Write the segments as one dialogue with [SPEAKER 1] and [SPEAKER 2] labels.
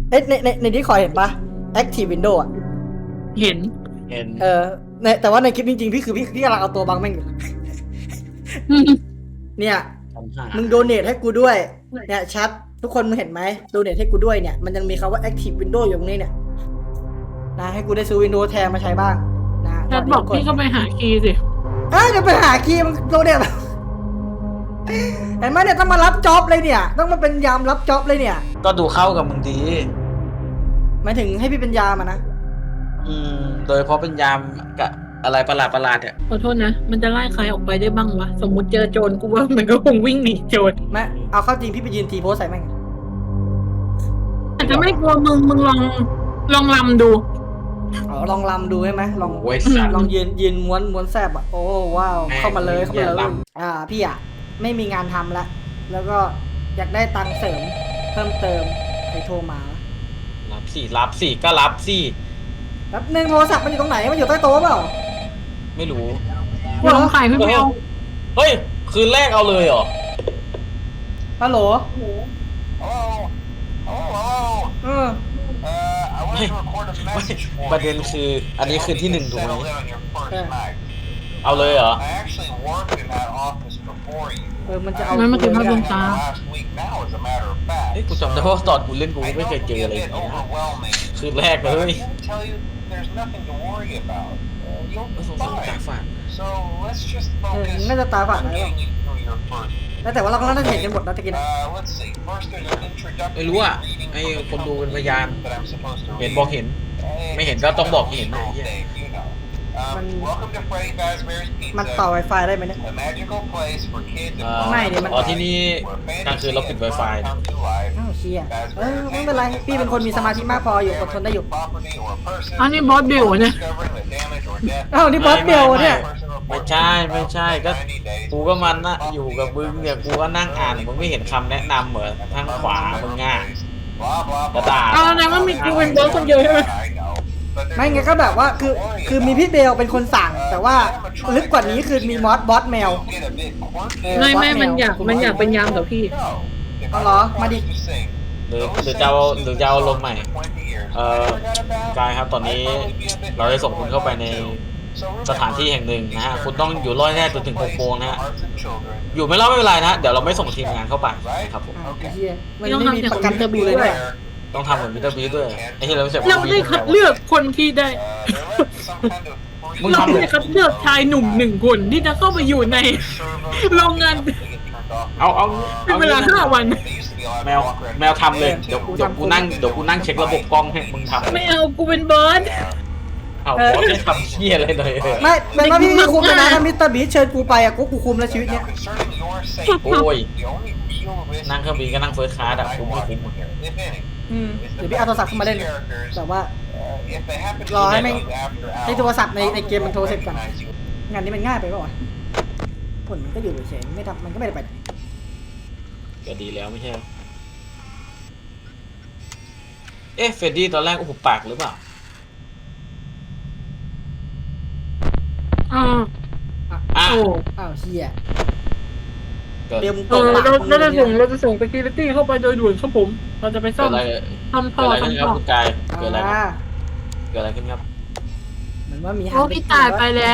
[SPEAKER 1] เอ้ยในที่คอยเห็นปะ Active Window อ่ะ
[SPEAKER 2] เห็น
[SPEAKER 3] เห็น
[SPEAKER 1] แต่ว่าในคลิปจริงๆพี่กำลังเอาตัวบังแม่งอยู่ เนี่ย
[SPEAKER 3] ปัญหา
[SPEAKER 1] มึงโดเนทให้กูด้วยเนี่ยชัดทุกคนมึงเห็นไหมโดเนทให้กูด้วยเนี่ยมันยังมีคำว่า Active Window อยู่ตรงนี้เนี่ยนะให้กูได้ซื้อ Windows แทนมาใช้บ้างนะ
[SPEAKER 2] แพทบอกพี่ก็ไปหาคีย์สิ
[SPEAKER 1] เดี๋ยวไปหาคีย์มึงโดเนท เห็นไหมเนี่ยต้องมารับจ็อบเลยเนี่ยต้องมาเป็นยามรับจ็อบเลยเนี่ย
[SPEAKER 3] ก็ดูเข้ากับมึงดี
[SPEAKER 1] หมายถึงให้พี่เป็นยามอะนะ
[SPEAKER 3] โดยเฉพาะเป็นยามกับอะไรประหลาดเนี่ย
[SPEAKER 2] ขอโทษนะ มันจะไล่ใครออกไปได้บ้างวะ สมมติเจอโจรกูว่ามันก็คงวิ่งหนีโจร
[SPEAKER 1] ไม่เอาเข้าจริงพี่ไปยืนทีโพสใส่แม่ง
[SPEAKER 2] อาจจะไม่กลัวมึงลองลำดู
[SPEAKER 1] อ๋อลองลำดูใช่ไหมลอง
[SPEAKER 3] โอ้ยสัตว์
[SPEAKER 1] ลองยืนม้วนแซบอ่ะโอ้ว้าว
[SPEAKER 3] แม่ง
[SPEAKER 1] เข้ามาเลย
[SPEAKER 3] เหี้ยล
[SPEAKER 1] พี่อ่ะไม่มีงานทำละแล้วก็อยากได้ตังค์เสริมเพิ่มเติมใครโทรมา
[SPEAKER 3] รับสิก็รับสิ
[SPEAKER 1] แป๊บนึงโทรศัพท์มันอยู่ตรงไหนมันอยู่ใต้โต๊ะเปล่า
[SPEAKER 3] ไม่รู้
[SPEAKER 2] ลองขายพี่เบล
[SPEAKER 3] เฮ้ย คืนแรกเอาเลยเหรอ
[SPEAKER 1] ฮัลโหล
[SPEAKER 4] Hello.
[SPEAKER 1] เออ
[SPEAKER 4] I wanted to record a message for
[SPEAKER 3] ประเด็น
[SPEAKER 4] you.
[SPEAKER 3] คืออันนี้คือที่หนึ่งถูกไหม
[SPEAKER 4] Settled in on your first
[SPEAKER 1] Yeah.
[SPEAKER 4] night.
[SPEAKER 3] เอาเลยเหรอ
[SPEAKER 4] I actually worked in that office before you.
[SPEAKER 1] มันจะเอา
[SPEAKER 2] มันมาถึง
[SPEAKER 1] กู
[SPEAKER 2] ภาพ
[SPEAKER 1] เล
[SPEAKER 2] ล
[SPEAKER 1] ย
[SPEAKER 2] ง
[SPEAKER 1] อะ
[SPEAKER 2] ตา
[SPEAKER 4] Last week now, as a matter of fact.
[SPEAKER 3] เฮ้ยกูจำได้ว่าตอนกูเล่นกู
[SPEAKER 4] I
[SPEAKER 3] ไม่
[SPEAKER 4] know
[SPEAKER 3] เคย
[SPEAKER 4] it
[SPEAKER 3] เจ
[SPEAKER 4] can
[SPEAKER 3] อ
[SPEAKER 4] be
[SPEAKER 3] อะไร
[SPEAKER 4] a
[SPEAKER 3] อย่าง
[SPEAKER 4] bit
[SPEAKER 3] นี้นะ
[SPEAKER 4] overwhelming.
[SPEAKER 3] คืนแรกเลย
[SPEAKER 4] But I can tell you, there's nothing to worry about. You'll
[SPEAKER 3] ก็
[SPEAKER 4] be
[SPEAKER 3] สงสารตา
[SPEAKER 4] fine.
[SPEAKER 3] ฝาด
[SPEAKER 4] So let's just
[SPEAKER 1] น่า
[SPEAKER 4] focus
[SPEAKER 1] จะตาฝาด
[SPEAKER 4] on
[SPEAKER 1] นะ
[SPEAKER 4] getting you through your first.
[SPEAKER 1] แต่ว่าเราก็น่าจะเห็นกันหมดนะตะกี้นะ
[SPEAKER 4] Let's see. First, there's an introductory
[SPEAKER 3] ไม่รู้อ่ะ
[SPEAKER 4] reading
[SPEAKER 3] ไอ้
[SPEAKER 4] from the
[SPEAKER 3] คนดูเป็นพ
[SPEAKER 4] company
[SPEAKER 3] ยาน
[SPEAKER 4] that I'm supposed to
[SPEAKER 3] เห็น
[SPEAKER 4] read.
[SPEAKER 3] บอกเห็น ไม่เห็นก็ต้องบอกเห็นนะ
[SPEAKER 4] All day, you know. Welcome to Freddy Fazbear's
[SPEAKER 1] มัน
[SPEAKER 4] Pizza,
[SPEAKER 1] ต่อ Wi-Fi ได้ไหมเนี่ย
[SPEAKER 4] a magical place for kids
[SPEAKER 1] ไม่ดิมัน
[SPEAKER 3] อ๋อที่นี่กลางคืนเราปิด Wi-Fi นะ
[SPEAKER 4] come to life.
[SPEAKER 1] อ้าวเชี่ยไม่เป็นไรพี่เป็นคนมีสมาธิมากพออยู่อดทนได้อยู่
[SPEAKER 4] Property or person
[SPEAKER 2] อันนี้บอสเบลเนี่ย
[SPEAKER 4] discovering the damage or death
[SPEAKER 1] อ้าวนี่บอสเบลเนี่ย
[SPEAKER 3] ไม่ใช่ก็กูก็มันนะอยู่กับมึงเนี่ยกูก็นั่งอ่านมึงไม่เห็นคำแนะนำเหรอทางขวามึงง่ายกระดาษ
[SPEAKER 2] เอาแล้วว่ามีกูเป็นบอสคนเดียวใช่ไหม
[SPEAKER 1] ไม่ไงก็แบบว่าคือมีพี่เบลเป็นคนสั่ง แต่ว่าลึกกว่านี้คือมีบอสแมว
[SPEAKER 2] ไม่มันอยากเป็นยามกับพี่
[SPEAKER 1] เอาเหรอมาดิ
[SPEAKER 3] หรือจะเอาลมณ์ใหม่กายครับตอนนี้เราได้ส่งคุณเข้าไปในสถานที่แห่งหนึ่งนะฮะคุณต้องอยู่รอดแน่จนถึง6 โมงนะฮะอยู่ไม่รอดไม่เป็นไรนะเดี๋ยวเราไม่ส่งทีมงานเข้าไปนะครับผม
[SPEAKER 1] อ้าวไอ้เหี้ยมันไม่มีประกันเทอร์บิวเลยเนี่ย
[SPEAKER 3] ต้องทำเหมือนมิสเตอร์บีด้วยไอ้ที่เราไม่ใช่
[SPEAKER 2] เราได้คัดเลือกคนที่ได้ เราได้คัดเลือกชายหนุ่ม1 คนที่จะเข้าไปอยู่ในโรงงาน
[SPEAKER 3] เอา
[SPEAKER 2] เป็นเวลา5 วัน
[SPEAKER 3] แมวทำเลยเดี๋ยวกูนั่งเช็คระบบกล้องให้มึงทำ
[SPEAKER 2] ไม่เอากูเป็นบอส
[SPEAKER 3] เอาบอสไม่ทำเชี่ยอะไรเลย
[SPEAKER 1] ไม่เป็นว่าพี่คุมเลยนะถ้ามิสเตอร์บีเชิญกูไปอ่ะกูคุมแล้วชีวิตเนี้ย
[SPEAKER 3] โอ้ยนั่งเครื่องบินก็นั่งเฟิร์สคลาสอะคุ้มไม่คุ้ม
[SPEAKER 1] เดี๋ยวพี่เอาโทรศัพท์ขึ้นมาเล่นแต่ว่า รอให้แม่งให้โทรศัพท์ในเกมมันโทรเสร็จก่อนงานนี้มันง่ายไปป่าวะผลมันก็อยู่เฉยๆไม่ทำมันก็ไม่ได้ไปไหน
[SPEAKER 3] ก็ดีแล้วไม่ใช่เอ๊ะเฟรดดี้ตอนแรกหุบปากหรือเปล่า
[SPEAKER 2] อ่า
[SPEAKER 3] อ่ะ
[SPEAKER 2] โอ้
[SPEAKER 1] อ้าวเฮีย
[SPEAKER 3] เกิด
[SPEAKER 1] เดี๋ยวมึง
[SPEAKER 2] เอ
[SPEAKER 1] ตก
[SPEAKER 2] อ
[SPEAKER 1] ปาก
[SPEAKER 2] เราจะส่ง security เข้าไปโดยด่วนครับผม เราจะไปซ่อม
[SPEAKER 3] อะไร
[SPEAKER 2] ทำ
[SPEAKER 3] เกิดอะไรขึ้นครับ
[SPEAKER 2] ท่อ
[SPEAKER 3] คุณกายเกิดอะไรครับ
[SPEAKER 1] อ่า
[SPEAKER 3] เกิดอะไรขึ้นครับ
[SPEAKER 1] เหมือนว่ามี
[SPEAKER 2] โอ้พี่ตายไปแล้ว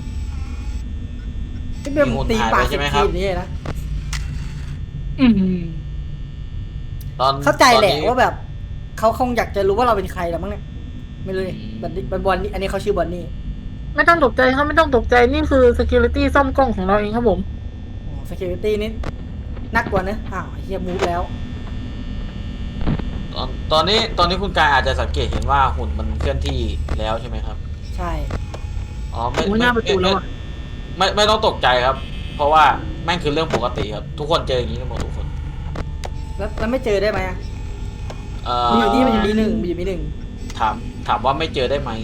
[SPEAKER 1] พี่เบลตีปากสิบทีนี่นะ
[SPEAKER 2] อืม
[SPEAKER 3] ตอน
[SPEAKER 1] เข้าใจแหละ
[SPEAKER 3] ตอนนี้
[SPEAKER 1] ว่าแบบเขาคงอยากจะรู้ว่าเราเป็นใครแล้วมั้งเนี่ยไม่รู้เลยบอลนี่อันนี้เขาชื่อบอลนี่
[SPEAKER 2] ไม่ต้องตกใจครับไม่ต้องตกใจนี่คือ security ซ่อมกล้องของเราเองครับผม
[SPEAKER 1] security นี่นักกว่านะอ้าวเฮียมูฟแล้ว
[SPEAKER 3] ตอนนี้คุณกายอาจจะสังเกตเห็นว่าหุ่นมันเคลื่อนที่แล้วใช่ไหมครับ
[SPEAKER 1] ใช่
[SPEAKER 3] อ๋อ
[SPEAKER 2] โอ้ยหน้าประตูแล้วอะ
[SPEAKER 3] ไม่ต้องตกใจครับ เพราะว่าแม่งคือเรื่องปกติครับ ทุกคนเจออย่างนี้กันหมดทุกคน
[SPEAKER 1] แล้วไม่เจอได้ไหมอะ
[SPEAKER 3] มี
[SPEAKER 1] มีอยู่นี่มันอยู่มีหนึ่งมีอยู่มีหนึ่ง
[SPEAKER 3] ถามว่าไม่เจอได้ไหม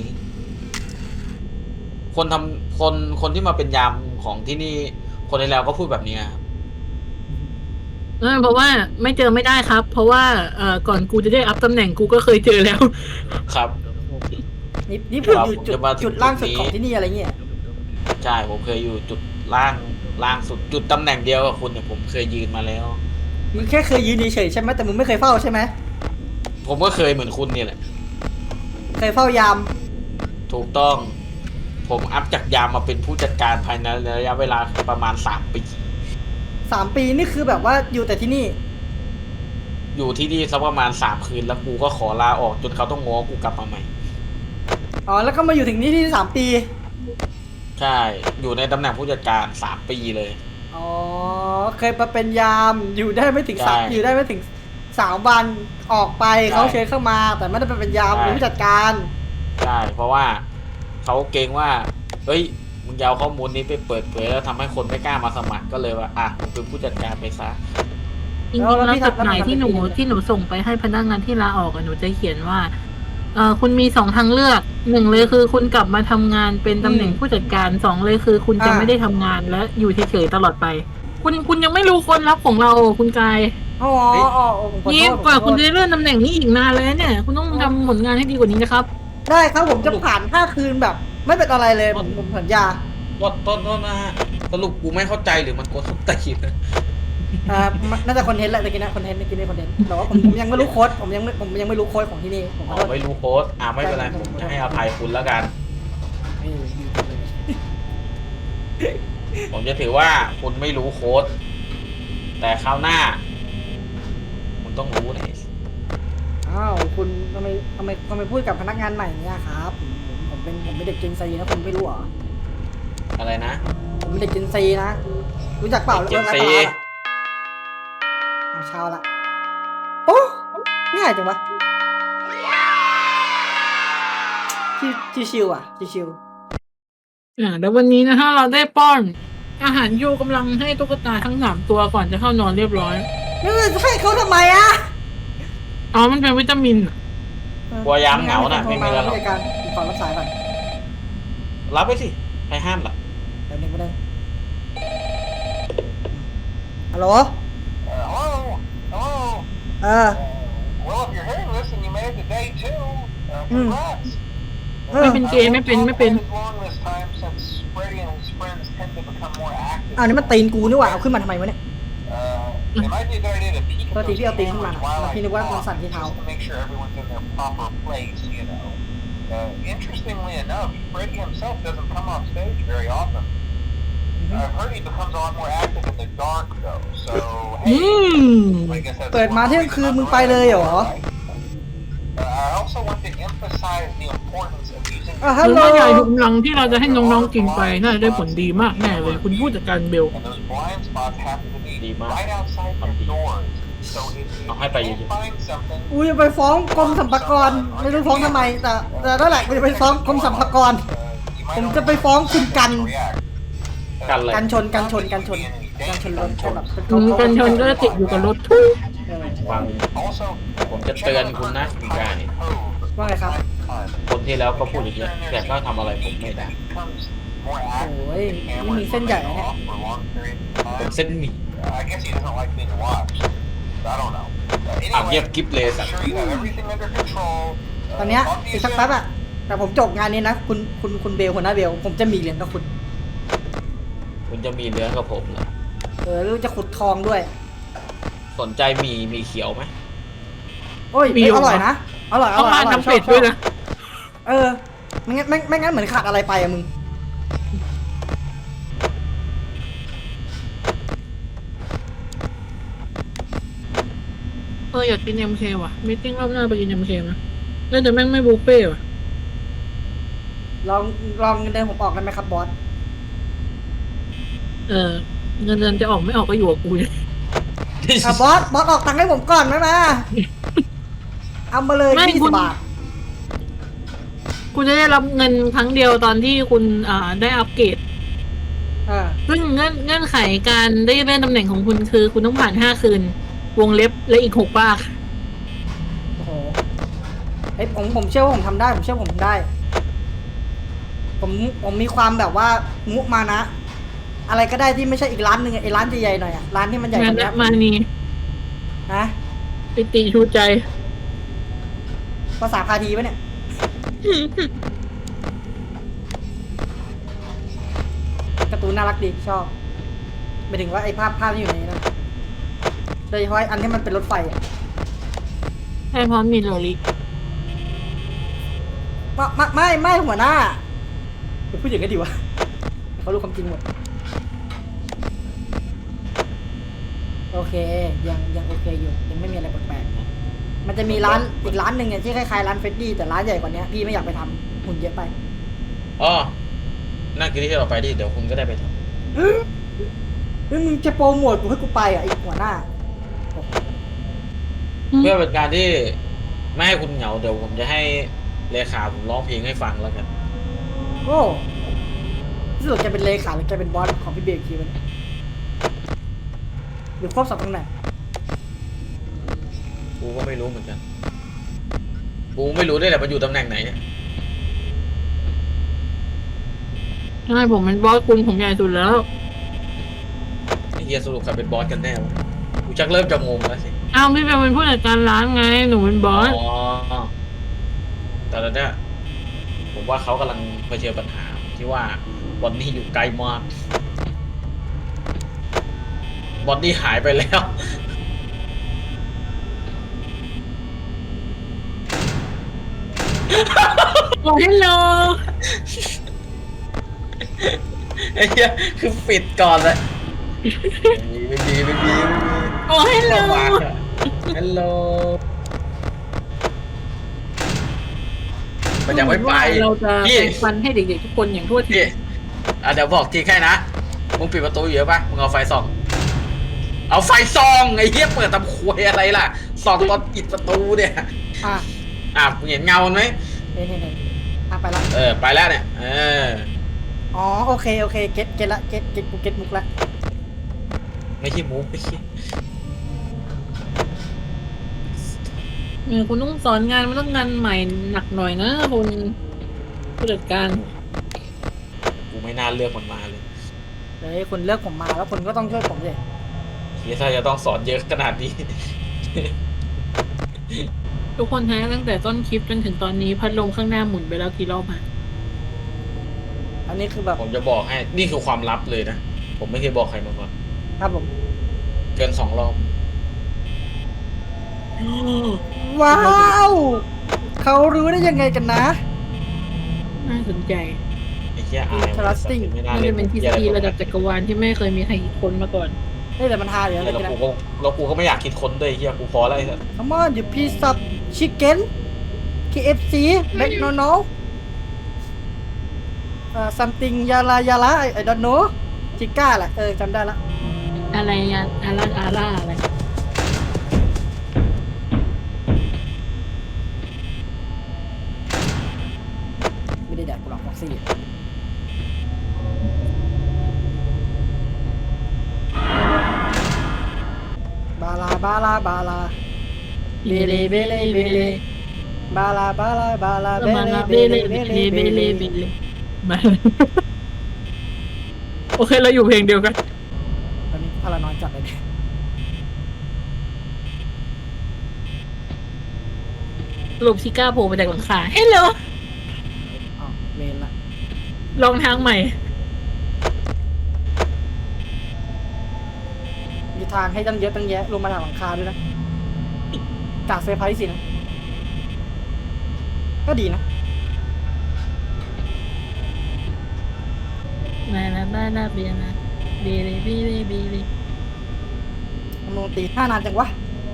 [SPEAKER 3] คนที่มาเป็นยามของที่นี่คนในแล้วก็พูดแบบนี้ครับ
[SPEAKER 2] เพราะว่าไม่เจอไม่ได้ครับ เพราะว่าก่อนกูจะได้อัพตำแหน่งกูก็เคยเจอแล้ว
[SPEAKER 3] ครับ
[SPEAKER 1] นี่ผมอยู่
[SPEAKER 3] จะมาถึง
[SPEAKER 1] จุดล่างสุด
[SPEAKER 3] ตรงนี้
[SPEAKER 1] ของที่นี่อะไรเงี้ย
[SPEAKER 3] ใช่ผมเคยอยู่จุดล่างสุดจุดตำแหน่งเดียวกับคุณเนี่ยผมเคยยืนมาแล้ว
[SPEAKER 1] มึงแค่เคยยืนเฉยๆใช่ไหมแต่มึงไม่เคยเฝ้าใช่ไหม
[SPEAKER 3] ผมก็เคยเหมือนคุณนี่แหละ
[SPEAKER 1] เคยเฝ้ายาม
[SPEAKER 3] ถูกต้อง ผมอัพจากยามมาเป็นผู้จัดการภายในระยะเวลาประมาณ3 ปี
[SPEAKER 1] 3 ปีนี่คือแบบว่าอยู่แต่ที่นี่
[SPEAKER 3] อยู่ที่นี่สักประมาณ3 คืนแล้วกูก็ขอลาออกจนเขาต้องง้อกูกลับมาใหม่
[SPEAKER 1] อ๋อแล้วก็มาอยู่ถึงนี่ที่3 ปี
[SPEAKER 3] ใช่ อยู่ในตำแหน่งผู้จัดการ3 ปีเลย
[SPEAKER 1] อ๋อเคยมาเป็นยามอยู่ได้ไม่ถึง
[SPEAKER 3] ใช่
[SPEAKER 1] อยู่ได้ไม่ถึง3 วันออกไป
[SPEAKER 3] ใช่
[SPEAKER 1] เขาเชิญเข้ามา แต่ไม่ได้เป็นยาม
[SPEAKER 3] ใช่
[SPEAKER 1] เป็นผู้จัดการ
[SPEAKER 3] ใช่ เพราะว่าเขาเกรงว่า เฮ้ย มึงจะเอาข้อมูลนี้ไปเปิดเผยแล้วทำให้คนไม่กล้ามาสมัครก็เลยว่า อ่ะมึงเป็นผู้จัดการไปซะ
[SPEAKER 2] จริงๆแล้วจดหมายที่หนูส่งไปให้พนักงานที่ลาออกอะหนูจะเขียนว่าคุณมี2 ทางเลือก1เลยคือคุณกลับมาทำงานเป็นตำแหน่งผู้จัดการ2เลยคือคุณจะไม่ได้ทำงานและอยู่เฉยๆตลอดไป คุณยังไม่รู้คนรับของเราคุณกาย
[SPEAKER 1] อ๋อ
[SPEAKER 3] เฮ้ย
[SPEAKER 1] อ๋อผมขอโทษ
[SPEAKER 2] นี่
[SPEAKER 1] ผมขอโทษ
[SPEAKER 2] กว่าคุณจะได้เลื่อนตำแหน่งนี้อีกนานเลยนะเนี่ยคุณต้องทำผลงานให้ดีกว่านี้นะครับ
[SPEAKER 1] ได้ครับผมจะผ่าน5 คืนแบบ ไม่เป็นอะไรเลยผมสัญญา
[SPEAKER 3] ต้นนะฮะสรุปกูไม่เข้าใจหรือมันโกดสุดตีน
[SPEAKER 1] น่าจะคอนเทนต์แหละตะกี้นะคอนเทนต์เมื่อกี้นี่คอนเทนต์แต่ว่าผมยังไม่รู้โค้ดผมยังไม่รู้โค้ดของที่นี่ผมขอโทษ
[SPEAKER 3] ไม่รู้โค้ดไม่เป็นไร ผมจะให้อภัยคุณแล้วกัน
[SPEAKER 1] ดีจังเลย
[SPEAKER 3] ผมจะถือว่าคุณไม่รู้โค้ด แต่คราวหน้า คุณต้องรู้นะ
[SPEAKER 1] อ้าวคุณทำไมพูดกับพนักงานใหม่เนี่ยครับผมเป็นเด็กเจนซีนะคุณไม่รู้เหรอ
[SPEAKER 3] อะไรนะ
[SPEAKER 1] ผมเป็นเด็กเจนซีนะรู้จักเปล่า
[SPEAKER 3] เจนซี
[SPEAKER 1] เช้าละโอ้ง่ายจังวะชิวๆอ่ะชิว
[SPEAKER 2] แล้ววันนี้นะฮะเราได้ป้อนอาหารโยกำลังให้ตุ๊กตาทั้ง3 ตัวก่อนจะเข้านอนเรียบร้อย
[SPEAKER 1] ๆนี่จะให้เขาทำไมอ่ะ
[SPEAKER 2] อ๋อมันเป็นวิตามินอะ
[SPEAKER 3] กลัวยามเหงาน่ะไม่มีอะไรหรอก
[SPEAKER 1] ผู้จัดการผมขอรับสายก่อน
[SPEAKER 3] รับไปสิใครห้ามล่ะ
[SPEAKER 1] เดี๋ยวหนึ่งก็ได้ฮัลโหล
[SPEAKER 4] Hello? Hello?
[SPEAKER 1] เออ
[SPEAKER 4] Well, if you're hearing this and you made it to day 2, congrats.
[SPEAKER 2] ไม่เป็นเกย์ไม่เป็น
[SPEAKER 4] I've waited long this time since Freddy and his friends tend to become more active.
[SPEAKER 1] อ้าวนี่มันตีนกูนี่หว่าเอาขึ้นมาทำไมวะเนี่ย
[SPEAKER 4] It might be a good idea to peek at
[SPEAKER 1] ตัวที
[SPEAKER 4] those
[SPEAKER 1] พี่เอาตีนขึ้นมา
[SPEAKER 4] cameras while I
[SPEAKER 1] พี่นึกว่ามันสั่นที่เท้า
[SPEAKER 4] just to make sure everyone's in their proper place, you know. Interestingly enough, Freddy himself doesn't come off stage very often. I've heard he becomes a lot more active in the dark, though. So,
[SPEAKER 2] อื
[SPEAKER 4] hey,
[SPEAKER 2] ม
[SPEAKER 4] I guess that's
[SPEAKER 1] เปิดมาเที่ยงคืนมึงไปเลยเหรอ
[SPEAKER 4] I also want to emphasize the importance of using
[SPEAKER 1] ฮัล
[SPEAKER 2] หรือ
[SPEAKER 1] โหล
[SPEAKER 2] ว่าใหญ่กำลังที่เราจะให้น้องๆกินไปน่าจะได้ผลดีมากแน่เลยคุณผู้จัดการเบล
[SPEAKER 4] and those blind spots happen to be
[SPEAKER 3] Đi mà.
[SPEAKER 4] right outside your doors. So if you
[SPEAKER 3] Học hai bài gì
[SPEAKER 4] can't
[SPEAKER 3] vậy?
[SPEAKER 4] find something,
[SPEAKER 1] กูจะไปฟ้องกรมสรรพากรไม่รู้ฟ้องทำไมแต่นั่นแหละกูจะไปฟ้องกรมสรรพากร
[SPEAKER 4] you might
[SPEAKER 1] ผม
[SPEAKER 4] not
[SPEAKER 1] จะไปฟ้องคุณกัน
[SPEAKER 4] react.
[SPEAKER 3] กันเลย
[SPEAKER 1] กันชนรถใช่แบบเป็น
[SPEAKER 2] กันชนก็ติดอยู่กับรถทุก
[SPEAKER 3] ฟัง
[SPEAKER 4] Also,
[SPEAKER 3] ผมจะเตือนคุณนะคุณกาย
[SPEAKER 1] ว่าไงครับ
[SPEAKER 3] คนที่แล้วก็พูดอย่างเงี้ยแต่ก็ทำอะไรผมไม่ได้
[SPEAKER 1] โอ้ยนี่มีเส้นใหญ่นะเนี่ย
[SPEAKER 3] เป็นเส้นหมี่
[SPEAKER 4] I guess he doesn't like being watched. I don't know.
[SPEAKER 3] อ่ะเงียบกิ๊บเลยสัตว์
[SPEAKER 4] Sure you have everything under control.
[SPEAKER 1] ตอนเนี้ย
[SPEAKER 4] talk to
[SPEAKER 1] อี
[SPEAKER 4] you
[SPEAKER 1] กสัก
[SPEAKER 4] soon.
[SPEAKER 1] แป๊บอะแต่ผมจบงานนี้นะคุณเบลหัวหน้าเบลผมจะมีเหรียญกับคุณ
[SPEAKER 3] คุณจะมีเนื้อกับผมเหรอ
[SPEAKER 1] แล้วจะขุดทองด้วย
[SPEAKER 3] สนใจหมีเขียวไหม
[SPEAKER 1] โอ้ยอร่อยนะอร่อย
[SPEAKER 2] ต้องมาทำเป็ดด้วยนะ
[SPEAKER 1] ไม่งั้นเหมือนขาดอะไรไปอะมึง
[SPEAKER 2] อยากกิน MK ว่ะมีติ้งรอบหน้าไปกิน MK นะแต่แม่งไม่บุฟเฟ่ว่ะ
[SPEAKER 1] ลองเงินเดือนผมออกได้ไหมครับบอส
[SPEAKER 2] เงินเดือนจะออกไม่ออกก็อยู่กับกูเนี่ย
[SPEAKER 1] บอสออกตังค์ให้ผมก่อนไหมมาเอามาเลย20 บาท
[SPEAKER 2] คุณจะได้รับเงินครั้งเดียวตอนที่คุณได้อัปเกรด ซึ่งเงื่อนไขการได้เลื่อนตำแหน่งของคุณคือคุณต้องผ่าน5 คืน วงเล็บและอีก6 ปาก
[SPEAKER 1] โอ้โหเฮ้ยผมเชื่อว่าผมทำได้ผมเชื่อผมทำได้ ผมมีความแบบว่ามุมานะ อะไรก็ได้ที่ไม่ใช่อีกร้านหนึ่งไอ้ร้านใหญ่ๆหน่อยอะร้านที่มันใหญ่ก
[SPEAKER 2] งาน
[SPEAKER 1] ว่านี้
[SPEAKER 2] และมานี
[SPEAKER 1] นะ
[SPEAKER 2] ปิติชูใจ
[SPEAKER 1] ภาษาพาทีปะเนี่ยการ์ตูนน่ารักดีชอบหมายถึงว่าไอ้ภาพที่อยู่ในนี้นะโดยเฉพาะอันที่มันเป็นรถไฟอะ
[SPEAKER 2] ใช่ช่เพราะมีโลลิ
[SPEAKER 1] ไม่หัวหน้าเดี๋ยวพูดอย่างนี้ดีวะเขารู้ความจริงหมดโอเคยังโอเคอยู่ยังไม่มีอะไรแปลกๆมันจะมีร้านอีกร้านหนึ่งเนี่ยที่คล้ายๆร้านเฟรดดี้แต่ร้านใหญ่กว่านี้พี่ไม่อยากไปทำหุ่นเยอะไป
[SPEAKER 3] อ๋อนั่นคือที่เราไปดิเดี๋ยวคุณก็ได้ไปท
[SPEAKER 1] เฮ้ยมึงจะโปรโมทกูให้กูไปอ่ะไอ้หัวหน้า
[SPEAKER 3] ำเพื่อเป็นการที่ไม่ให้คุณเหงาเดี๋ยวผมจะให้เลขาผมร้องเพลงให้ฟังแล้วกัน
[SPEAKER 1] โอ้ที่สุดแกเป็นเลขาหรือแกเป็นบอสของพี่เบย์อีกทีวะเนี่ยหรือควบสองตำแหน่ง
[SPEAKER 3] กูก็ไม่รู้เหมือนกันกูไม่รู้ได้แหละมันอยู่ตำแหน่งไหนเนี่ย
[SPEAKER 2] ใช่ผมเป็นบอสคุณผมใหญ่สุดแล้ว
[SPEAKER 3] ไอ้เฮียสรุปใครเป็นบอสกันแน่วะกูชักเริ่มจะงงแล้วสิ
[SPEAKER 2] อ้าวพี่เบลเป็นผู้จัดการร้านไงหนูเป็นบอส
[SPEAKER 3] อ๋อแต่แล้วเนี่ยผมว่าเขากำลังเผชิญปัญหาที่ว่าบอนนี่อยู่ไกลมากบอนนี่หายไปแล้ว
[SPEAKER 2] โอ้ฮัลโหล
[SPEAKER 3] ไอ้เหี้ยคือปิดก่อนเลยไม่มี
[SPEAKER 2] โอ้ฮัลโหล
[SPEAKER 3] ฮัลโหลมันยังไม่ไป
[SPEAKER 2] เราจะ
[SPEAKER 3] พี่
[SPEAKER 2] แบ่งฟันให้เด็กๆทุกคนอย่างทั่วถึ
[SPEAKER 3] พี่
[SPEAKER 2] ง
[SPEAKER 3] เดี๋ยวบอกทีแค่นะมึงปิดประตูอยู่ปะมึงเอาไฟส่องเอาไฟส่องไอ้เหี้ยเปิดทำควยอะไรล่ะส่องตอนปิดประตูเนี่ย มึงเห็นเงามันไหม
[SPEAKER 1] เนี่ยไปละ
[SPEAKER 3] ไปแล้วเนี่ย
[SPEAKER 1] อ๋อโอเคเก็ตละเก็ตกูเก็ตมุกละ
[SPEAKER 3] ไม่ใช่มุกไอ้เหี้ย
[SPEAKER 2] คุณต้องสอนงานมันต้องงานใหม่หนักหน่อยนะคุณผู้จัดการ
[SPEAKER 3] กูไม่น่าเลือกมันมาเลย
[SPEAKER 1] เฮ้ยคุณเลือกผมมาแล้วคุณก็ต้องช่วยผมสิ
[SPEAKER 3] เฮียถ้าจะต้องสอนเยอะขนาดนี้
[SPEAKER 2] ทุกคนฮะตั้งแต่ต้นคลิปจนถึงตอนนี้พัดลมข้างหน้าหมุนไปแล้วกี่รอบฮะ
[SPEAKER 1] อันนี้คือแบบ
[SPEAKER 3] ผมจะบอกให้นี่คือความลับเลยนะ ผมไม่เคยบอกใครมาก่อน
[SPEAKER 1] ครับผม
[SPEAKER 3] เกิน2 รอบ
[SPEAKER 1] ว้าวเขารู้ได้ยังไงกันนะ
[SPEAKER 2] น่าสนใจ
[SPEAKER 3] ไอ้เหี้ยอาย
[SPEAKER 1] Interesting
[SPEAKER 3] ไม่น่า
[SPEAKER 2] มัน
[SPEAKER 3] เล่
[SPEAKER 2] จะ
[SPEAKER 3] น
[SPEAKER 2] เป็นทฤษฎีระดับจักรวาลที่ไม่เคยมีใครคิดค้นมาก่อน
[SPEAKER 1] เฮ้ยแต่มันฮาอยู่นะ
[SPEAKER 3] แล้ว
[SPEAKER 1] เมื่อกี้
[SPEAKER 3] กู
[SPEAKER 1] นะ
[SPEAKER 3] ก็แล้วกูก็ไม่อยากคิดค้นด้วยไอ้เหี้ยกูพอแล้วไอ้สัส
[SPEAKER 1] Come on you piece of chicken KFC McDonald's something ยาลาI don't know ชิก้าแหละจำได้ละ
[SPEAKER 2] อะไรอะอาร่าอะไร
[SPEAKER 1] ไม่ได้แดกกูหรอกฟ็อกซี่บาลาเบเลบาลาเบเลเบเลบาลาเบเล
[SPEAKER 2] มาโอเคเราอยู่เพลงเดียวกัน
[SPEAKER 1] ตอนนี้พารานอยจัดเลยเนี่ย
[SPEAKER 2] สรุปชิก้าโผล่มาจากหลังคาเฮ้ยเหรอ
[SPEAKER 1] อ้าวเมนละ
[SPEAKER 2] ลองทางใหม่
[SPEAKER 1] มีทางให้ตั้งเยอะตั้งแยะลงมาจากหลังคาด้วยนะกากเซอร์ไพรส์สินะก็ดีนะ
[SPEAKER 2] มาเบียนะเบลี
[SPEAKER 1] มันลงตี5 นานจังวะ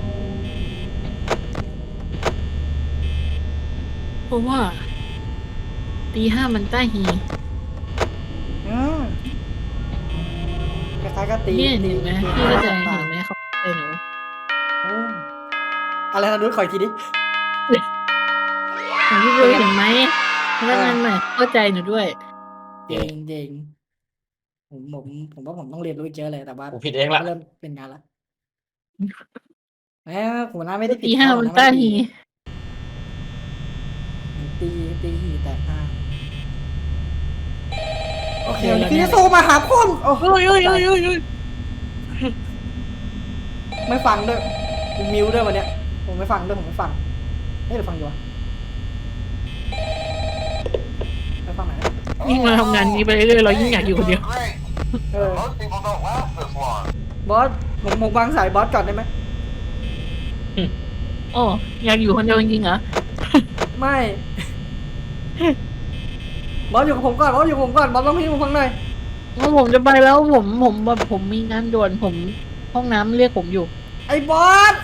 [SPEAKER 2] เพราะว่าตี 5มันใต้หี
[SPEAKER 1] คล้ายๆก็ตี
[SPEAKER 2] พี่เห็นไหมพี่เข้าใจเห็นไหมเขาใจหนู
[SPEAKER 1] โอ้อะไรนะดูขออีกทีดิ
[SPEAKER 2] พี่เบลเห็นไหมพนักงานใหม่เข้าใจหนูด้วย
[SPEAKER 1] เจงผมว่าผมต้องเรียนรู้เยอะเลยแต่ว่า
[SPEAKER 3] กูผิดเองละ
[SPEAKER 1] เริ่มเป็นงานละหัวหน้าไม่ได้ผิด
[SPEAKER 2] ตี 5มันใต้หี
[SPEAKER 1] ตีหีแตกห้าโอเคพี่จะโทรมาหาคนโอ้
[SPEAKER 2] โอ้ย
[SPEAKER 1] ไม่ฟังด้วยผมมิวด้วยวันเนี้ยผมไม่ฟังด้วยผมไม่ฟังเฮ้ยหรือฟังอยู่วะไม่ฟังไหนอยนะ
[SPEAKER 2] ยิ่งมาทำงานนี้ไปเรื่อยๆเรายิ่งอยากอยู่คนเดียว
[SPEAKER 1] เออ
[SPEAKER 4] Most people don't last this long.
[SPEAKER 1] บอสผมวางสายบอสก่อนได้ไหม
[SPEAKER 2] โอ้อยากอยู่คนเดียวจริงๆเหรอ
[SPEAKER 1] ไม่ บอสอยู่กับผมก่อนบอสอยู่กับผมก่อนบอสต้องพี่ผมฟังหน่อย
[SPEAKER 2] ว่าผมจะไปแล้วผมแบบผมมีงานด่วนผมห้องน้ำเรียกผมอยู่
[SPEAKER 1] ไอ้บอส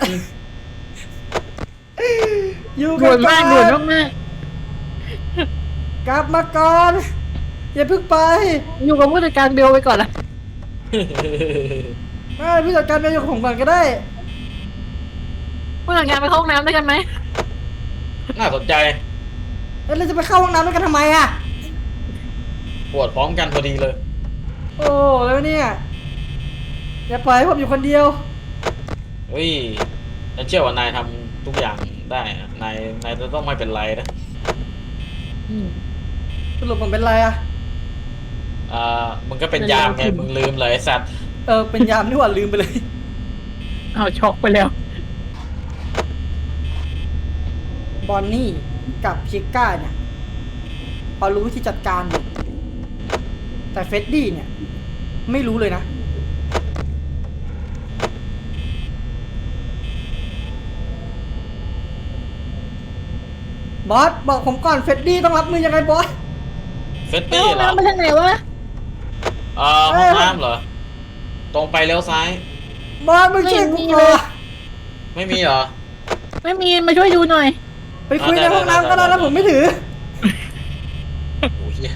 [SPEAKER 1] อยู่กั
[SPEAKER 2] ด่วน
[SPEAKER 1] ก่
[SPEAKER 2] มา
[SPEAKER 1] อก
[SPEAKER 2] ด่วน
[SPEAKER 1] น
[SPEAKER 2] มาก
[SPEAKER 1] กลับมาก่อน อย่าเพิ่งไป
[SPEAKER 2] ๆอยู่กับผู้จัดการเบลไปก่อนละ
[SPEAKER 1] ไม่พี่จัดการไปอยู่กับผมก่อนก็ได้
[SPEAKER 2] ผู้จัดการไปเข้าห้องน้ำด้วยกันไหม
[SPEAKER 3] น่าสนใจ
[SPEAKER 1] เอ้ยเราจะไปเข้าห้องน้ำด้วยกันทำไมอะ
[SPEAKER 3] ปวดพร้อมกันพอดีเลย
[SPEAKER 1] โอ้แล้วเนี่ยอย่าปล่อยให้ผมอยู่คนเดียว
[SPEAKER 3] เฮ้ยฉันเชื่อว่านายทำทุกอย่างได้อะนายจะต้องไม่เป็นไรนะ
[SPEAKER 2] อืม
[SPEAKER 1] สรุปผมเป็นไรอะ
[SPEAKER 3] มึงก็เป็นยามไง
[SPEAKER 2] เป็นยาม
[SPEAKER 3] มึงลืมเลยไอ้สัตว์
[SPEAKER 1] เป็นยามนี่หว่าลืมไปเลย
[SPEAKER 2] เอาช็อกไปแล้ว
[SPEAKER 1] บอนนี่กับชิก้าเนี่ยพอรู้วิธีจัดการอยู่แต่เฟดดี้เนี่ย ไม่รู้เลยนะ บอสบอกผมก่อนเฟดดี้ต้องรับมือยังไงบอส
[SPEAKER 3] เฟต
[SPEAKER 2] ไป
[SPEAKER 3] ตี้
[SPEAKER 2] ห้อง
[SPEAKER 3] เหรอ
[SPEAKER 2] น้ำไปทางไหนวะ
[SPEAKER 3] ห้องน้ำเหรอ ตรงไปเลี้ยวซ้าย
[SPEAKER 1] บอสมึงช่วยกู
[SPEAKER 2] ไม่มี
[SPEAKER 1] ก่
[SPEAKER 2] เล
[SPEAKER 1] อย น
[SPEAKER 3] ไม่มีเหรอ
[SPEAKER 2] ไม่มีมาช่วยดูหน่อย
[SPEAKER 1] ไปคุยในห้องน้ำก็ได้แล้วผมไม่ถือ
[SPEAKER 3] โอ้ยเหี้ย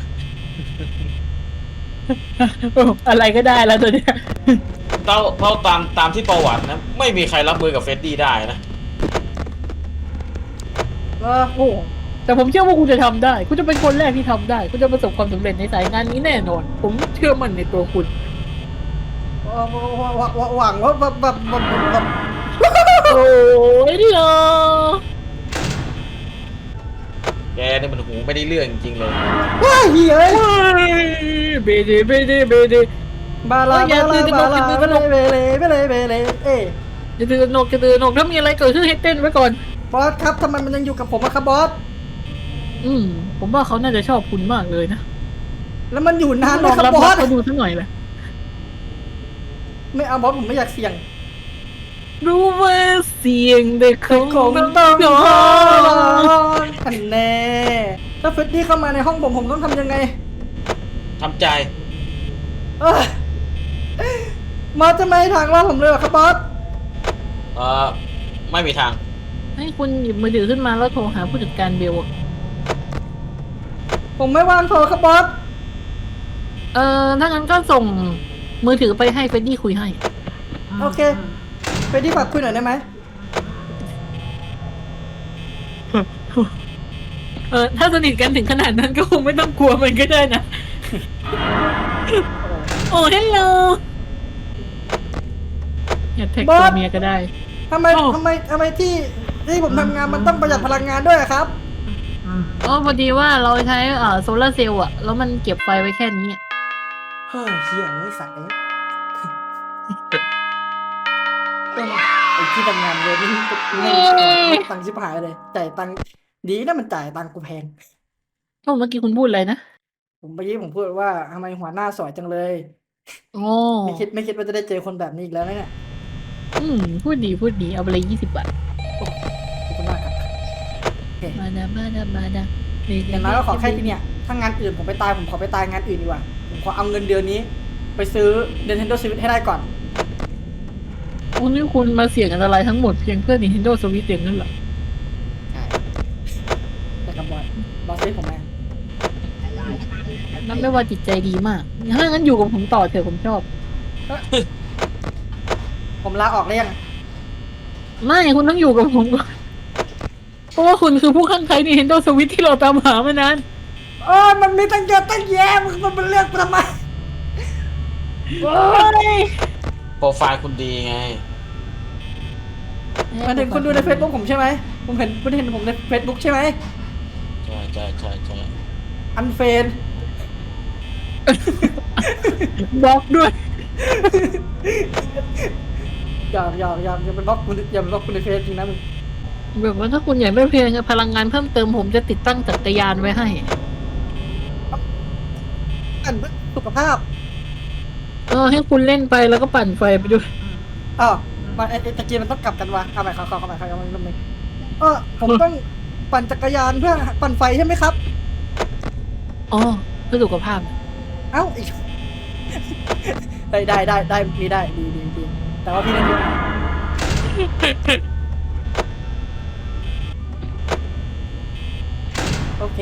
[SPEAKER 2] อะไรก็ได้แล้วตัวเนี้ย
[SPEAKER 3] เท่าตามที่ประวัตินะ ไม่มีใครรับมือกับเฟตตี้ได้นะ
[SPEAKER 2] โอ้แต่ผมเชื่อว่าคุณจะทำได้ คุณจะเป็นคนแรกที่ทำได้ คุณจะประสบความสำเร็จในสายงานนี้แน่นอน ผมเชื่อมั่นในตัวคุณ
[SPEAKER 1] หวังว่าแบบ
[SPEAKER 2] โอ้ยเหรอ
[SPEAKER 3] แกนี่มันหูไม่ได้เรื่องจริงๆเลย
[SPEAKER 1] ว้าเหี้ย
[SPEAKER 2] เบเดเบเดเบเด
[SPEAKER 1] บาลาบาลาบาลาเบเลเบเลเบเลเบเลเอ้ย
[SPEAKER 2] จะตื่นหนกจะตื่นหนกถ้ามีอะไรเกิดขึ้นให้เต้นไว้ก่อน
[SPEAKER 1] บอสครับทำไมมันยังอยู่กับผมอะครับบอส
[SPEAKER 2] ผมว่าเขาน่าจะชอบคุณมากเลยนะ
[SPEAKER 1] แล้วมันอยู่นานไหม
[SPEAKER 2] ลอง
[SPEAKER 1] ครับ
[SPEAKER 2] รับบ
[SPEAKER 1] อส
[SPEAKER 2] เขาดูสักหน่อยเลย
[SPEAKER 1] ไม่เอาบอสผมไม่อยากเสี่ยง
[SPEAKER 2] รู้ว่าเสียงเด็กคง
[SPEAKER 1] ต้อง
[SPEAKER 2] ต้อง
[SPEAKER 1] ร้
[SPEAKER 2] ร้
[SPEAKER 1] อ
[SPEAKER 2] อง
[SPEAKER 1] นอันแน่ถ้าเฟดดี้เข้ามาในห้องผมต้องทำยังไง
[SPEAKER 3] ทำใจ
[SPEAKER 1] เอ้ยมาจะไม่ให้ทางรอดผมเลยเหรอครับบอส
[SPEAKER 3] ไม่มีทาง
[SPEAKER 2] ให้คุณหยิบมือถือขึ้นมาแล้วโทรหาผู้จัดการเบลอะ
[SPEAKER 1] ผมไม่ว่างโทรครับบอส
[SPEAKER 2] ถ้างั้นก็ส่งมือถือไปให้เฟดดี้คุยให้
[SPEAKER 1] โอเคเฟดดี้ฝากคุยหน่อยได้ไหม
[SPEAKER 2] ถ้าสนิทกันถึงขนาดนั้นก็คงไม่ต้องกลัวมันก็ได้นะ โอ้ฮัลโหลอย่าแท็กตัวเมียก็ได้
[SPEAKER 1] ทำไมที่ผมทำงานมันต้องประหยัดพลังงานด้วยอะครับ
[SPEAKER 2] พอดีว่าเราใช้โซลาร์เซลล์อะแล้วมันเก็บไฟไว้แค่นี้อะ
[SPEAKER 1] เฮ้ยเฮียไอ้สัตว์ไอ้ที่ทำงานเลยนี่ไม่ตังค์ชิบหายเลยจ่ายตังค์ดีนะมันจ่ายตังค์กูแพง
[SPEAKER 2] เมื่อกี้คุณพูดอะไรนะ
[SPEAKER 1] ผมเมื่อกี้ผมพูดว่าทำไมหัวหน้าสวยจังเลย
[SPEAKER 2] โอ้
[SPEAKER 1] ไม่คิดว่าจะได้เจอคนแบบนี้อีกแล้วนะเนี่ย
[SPEAKER 2] พูดดีเอาไปเลย20 บาท
[SPEAKER 1] ขอบคุณมากครับโอเค
[SPEAKER 2] มาดา
[SPEAKER 1] อย่างน้อยก็ขอแค่ที่เนี่ยถ้างานอื่นผมไปตายผมขอไปตายงานอื่นดีกว่าผมขอเอาเงินเดือนนี้ ไปซื้อ Nintendo Switch ให้ได้ก่อน
[SPEAKER 2] คุณนี่คุณมาเสี่ยงอันตรายทั้งหมดเพียงเพื่อ Nintendo Switch เองนั่นเหรอ
[SPEAKER 1] ใช่แต่กับบอสซื้อผมแม่
[SPEAKER 2] นั่นไม่ว่าจิตใจดีมากถ้างั้นอยู่กับผมต่อเถอะผมชอบ
[SPEAKER 1] ผมลาออกได้ยัง
[SPEAKER 2] ไม่คุณต้องอยู่กับผมก่อนเพราะว่าคุณคือผู้ข้างใคร Nintendo Switch ที่เราตามหามานาน
[SPEAKER 1] มันมีตั้งเยอะตั้งแยะมันเป็นเรื่องทำไม
[SPEAKER 2] โอ้ย
[SPEAKER 3] โปรไฟล์คุณดีไง
[SPEAKER 1] มาถึงคุณดูใน Facebook ผมใช่ไหมคุณเห็นผมใน Facebook ใช่ไหม
[SPEAKER 3] ใช่
[SPEAKER 1] อันเฟน
[SPEAKER 2] บล็อกด้วย
[SPEAKER 1] อย่าไปบล็อกคุณอย่าไปบล็อกคุณในเฟซจริงนะมึง
[SPEAKER 2] แบบว่าถ้าคุณอยากได้เพลงพลังงานเพิ่มเติมผมจะติดตั้งจักรยานไว้ให้
[SPEAKER 1] อันเพื่อสุขภาพ
[SPEAKER 2] ให้คุณเล่นไปแล้วก็ปั่นไฟไปด้วย
[SPEAKER 1] มาไอ้ตะกี้มันต้องกลับกันวะเอาใหม่เข้าใหม่ผมต้องปั่นจักรยานเพื่อปั่นไฟใช่ไหมครับ
[SPEAKER 2] อ๋อเพื่อสุขภาพ
[SPEAKER 1] เอ้าอีก ได้มีได้ดีแต่ว่าพี่เล่นอยู่โอเค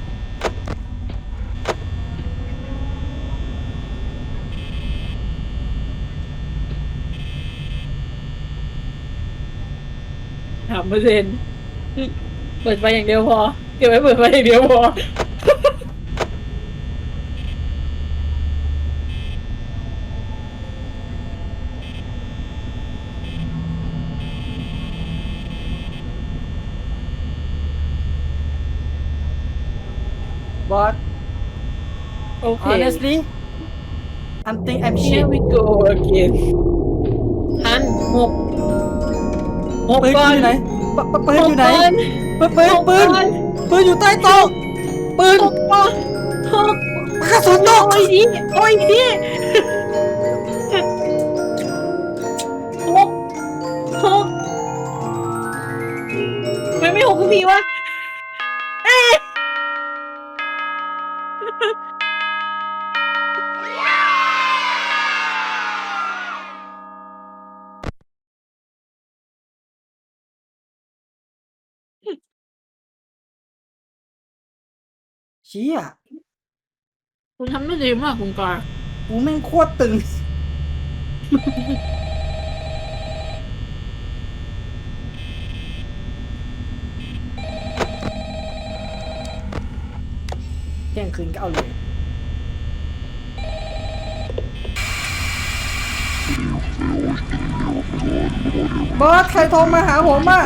[SPEAKER 2] 3%เปิดไฟอย่างเดียวพอเก็บไว้เปิดไฟอย่างเดียวพอ
[SPEAKER 1] บอส
[SPEAKER 2] โอเค
[SPEAKER 1] honestly I'm think I'm shit
[SPEAKER 2] Here we go again ทันหก
[SPEAKER 1] ปืน
[SPEAKER 2] ก่อน
[SPEAKER 1] อยู่ไหนปืนอยู่ไหน
[SPEAKER 2] หกก่
[SPEAKER 1] ปืนอยู่ใต้โต๊ะปืน
[SPEAKER 2] หกก่อนหก
[SPEAKER 1] กระสุนตก
[SPEAKER 2] โอ้ยดิโอ้ยดิหกหกทำไมไม่หกทุกทีวะเอ๊ะ
[SPEAKER 1] เชี่ย
[SPEAKER 2] คุณทำได้ดีมากคุณกา
[SPEAKER 1] กูแม่งโคตรตึงเที่ยงคืนก็เอาเลยบอสใครโทรมาหาผมอ่ะ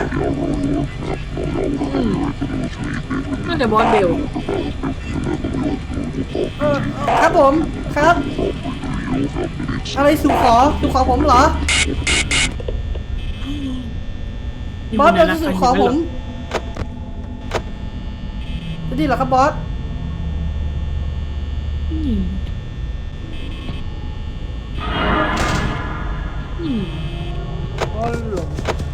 [SPEAKER 2] น่าจะบอสเบล
[SPEAKER 1] ครับผมครับ อะไรสู่ขอผมเหรอ บอสเราจะสู่ขอผมจะดีเหรอครับบอส
[SPEAKER 2] อืมอืม
[SPEAKER 1] อ๋อเหรอ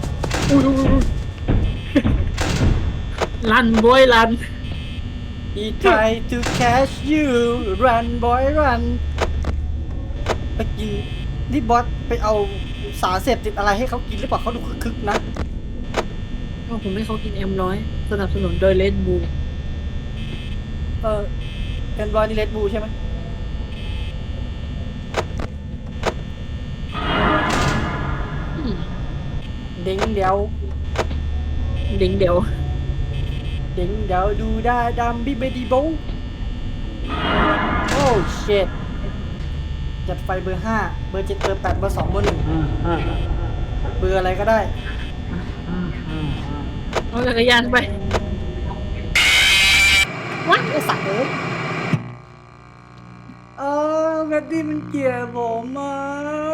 [SPEAKER 2] รันบอยรัน
[SPEAKER 1] He tried to catch you run boy run ไปกินนี่บอสไปเอาสารเสพติดอะไรให้เขากินหรือเปล่าเขาดูคึกๆนะ
[SPEAKER 2] ก็ผมให้เขากินM100สนับสนุนโดยเลดบู
[SPEAKER 1] เป็นบอสนี่เลดบูใช่ไหมเด้งเดียว
[SPEAKER 2] ดิ้งเดี๋ยว
[SPEAKER 1] เด้งเดียวดูได้ดำบิบดีโบโอ้เชิตจัดไฟเบอร์ 5 เบอร์ 7 เบอร์ 8 เบอร์ 2 เบอร์ 1 เบอร์อะไรก็ได้
[SPEAKER 2] เอาจักรยานไป
[SPEAKER 1] วัดไอสัตว์เลยแบดดี้มันเกลียดผมอ่ะ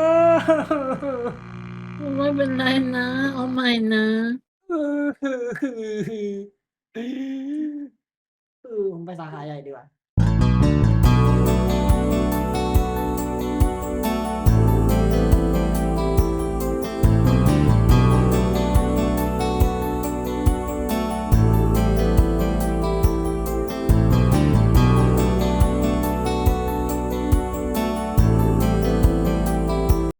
[SPEAKER 2] ไม่เป็นไรนะ เอาใหม่นะ
[SPEAKER 1] ผมไปสาขาใหญ่ดีกว่า